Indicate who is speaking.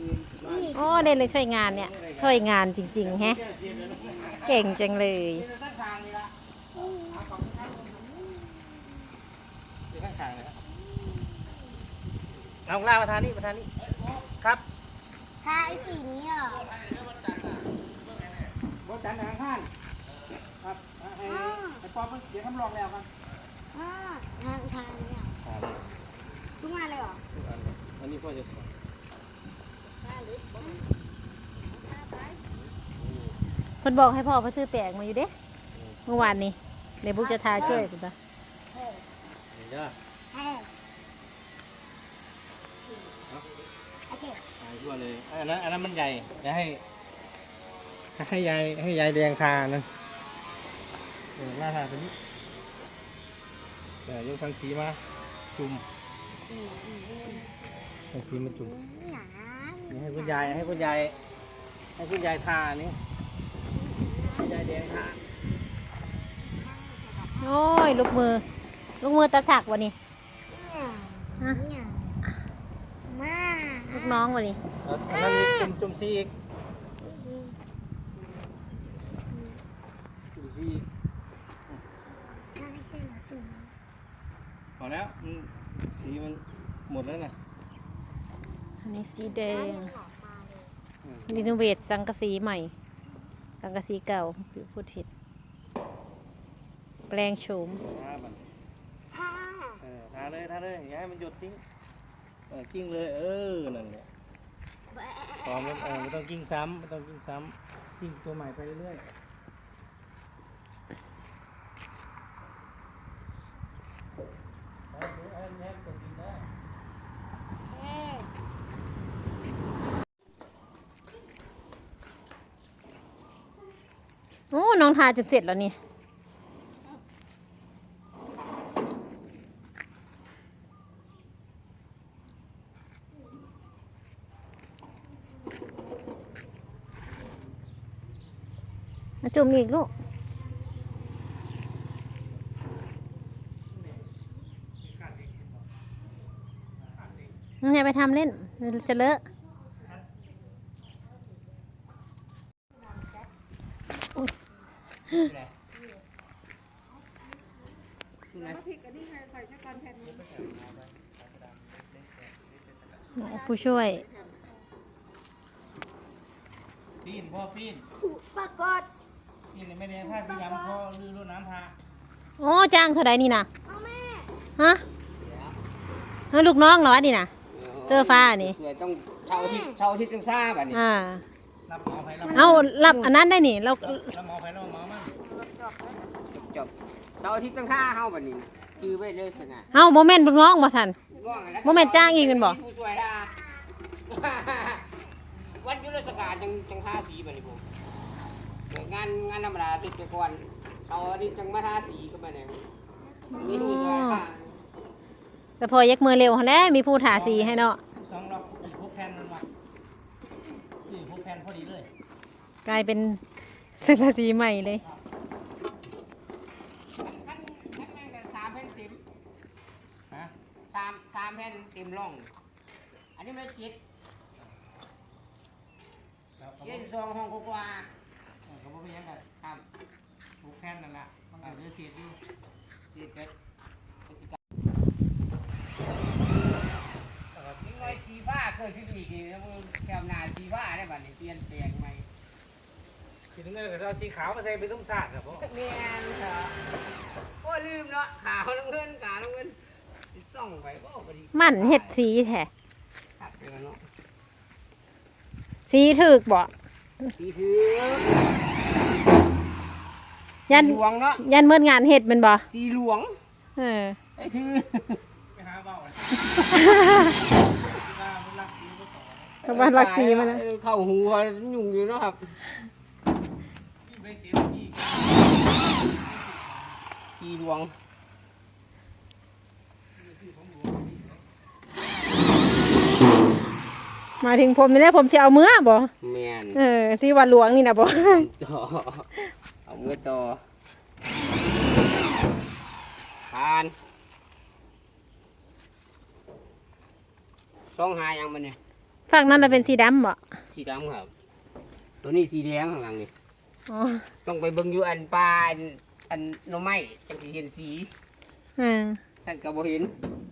Speaker 1: อ๋อเนี่ยเลยช่วยงานเนี่ยช่วยงานจริงๆแฮะเก่งจังเลย
Speaker 2: เอาล่าประธานนี่ครับ
Speaker 3: ทาไอ้สีนี้เหรอบ
Speaker 2: นจันทร์ทางข้างครับไอ้ปอมเดี๋ยวคำลองแล้วกัน
Speaker 3: ทางเนี่ยทุกงานเลยเหรอ
Speaker 2: อันนี้พ่อจะสอน
Speaker 1: เพิ่นบอกให้พ่อเขาซื้อแปลงมาอยู่เด้เมื่อวานนี้เดี๋ยวบุ๊กจะทาช่วยคุณตา
Speaker 2: เด้อ
Speaker 3: โอเค
Speaker 2: ทั่วเลยอันนั้นมันใหญ่จะให้ยายแดงทานั่นล่าทาตัวนี้ยกทางสีมาจุ่มทางสีมาจุ่มนี่ให้คุณยายทานี่ให้ยายแดงทา
Speaker 1: โอ้ยลูกมือตาสักวะนี่
Speaker 3: มา
Speaker 1: ลูกน้องวะนี่
Speaker 2: อันนั้นมีจุ่มสีอีกจุ่มสีอีกพอแล้วสีมันหมดแล้วนะ
Speaker 1: อันนี้สีแดงรีโนเวทสังกะสีใหม่สังกะสีเก่าพูดผิดแปลงโฉม
Speaker 2: ทาเลยอย่าให้มันหยดทิ้งกิ้งเลยนั่นแหละพอมันไม่ต้องกิ้งซ้ำกิ้งตัวใหม่ไปเรื่อย
Speaker 1: โอ้น้องทาจะเสร็จแล้วนี่มาจุ่มอีกลูกอย่าไปทำเล่นจะเลอะผู้ช่วย
Speaker 2: พ่อปีน
Speaker 3: ปรากฏ
Speaker 2: ปีนไม่ได้ท่าสีดำพ่อลื่นรดน้ำทา
Speaker 1: โอ้จ้างเท่าไรนี่นะ
Speaker 3: แม่
Speaker 1: ฮะลูกน้องเหรอวะนี่นะเสื้อฟ้านี่
Speaker 4: ต้องเช่าที่จังซ่าแบบนี้
Speaker 2: รับหมอไป
Speaker 1: เอารับอันนั้นได้นี่เรา
Speaker 2: รับหมอไปรับหมอมั่ง
Speaker 4: จบเช่าที่จังซ่าเฮาแบบนี้คือไม่เลยสนะ
Speaker 1: เอาโมเมนต์ลูกน้องบ่สันโมเมนต์จ้างอีกกันบ่
Speaker 4: ผู้ช่วยล่ะวันยุทธศกาลจังท่าสีแบบนี้ผมงานธรรมดาติดไปก่อนเอาที่จังมาท่าสีก็มาเนี่ยมีผู้ช่วย
Speaker 1: แต่พอยักมือเร็วแล้วมีผู้ถาสีให้เนาะ
Speaker 2: 2 ล็อกพวกแคนมันมาพวกแคนพอดีเลย
Speaker 1: กลายเป็นเสื้อสีใหม่เลย
Speaker 4: 3 แผ่นเต็ม3 แผ่นเต็มร่องอันนี้ไม่จิตเย็น2 ห้องกว่า
Speaker 2: เขาบอกว่ายังไง
Speaker 4: ครับ
Speaker 2: พวกแคนนั่นแหละมันอาจจะเสียดอยู่
Speaker 4: เสียดกันทิ้งไว้สีฟ้าเคยพิจิตรแล้วแก้วนาสีฟ้าได้บ้านี่เปลี่ยนแปลงใหม่
Speaker 2: ทีนึงก็เอาสีขาวมาใส่เป็นตุ้งสาดครับพ่อ
Speaker 4: เมียนเหรอโอ้ลืมเนาะขาวน้ำเงินส่องไปก็พอดี
Speaker 1: มันเห็ดสีแท้
Speaker 4: ครับเดี๋ยวเนาะ
Speaker 1: สีถึกบ่
Speaker 4: สีถือ
Speaker 1: ยัน
Speaker 4: หลวงเนาะ
Speaker 1: ยันเมื่องานเห็ดมันบ่
Speaker 4: สีหลวง
Speaker 2: ไอ้คือไปหาเบา
Speaker 1: เขาบ้านรักสีมันนะ
Speaker 4: เข้าหัวยุ่งอยู่เนาะครับสีหลวง
Speaker 1: มาถึงผมนี่แหละผมจะเอาเมื่อบ่
Speaker 4: แม่น
Speaker 1: สีวันหลวงนี่นะบ่
Speaker 4: เอาเมื่อต่อผ่าน2 หายังมันเนี่ย
Speaker 1: ฝั่งนั้นน่ะเป็นสีดำบ่
Speaker 4: สีดำครับ ตัวนี้สีแดงข้างหลังนี่
Speaker 1: อ๋อ
Speaker 4: ต้องไปเบิ่งอยู่อันปลาอันหน่อไม้จังสิเห็นสี
Speaker 1: อ่า
Speaker 4: ท่านก็บ่เห็น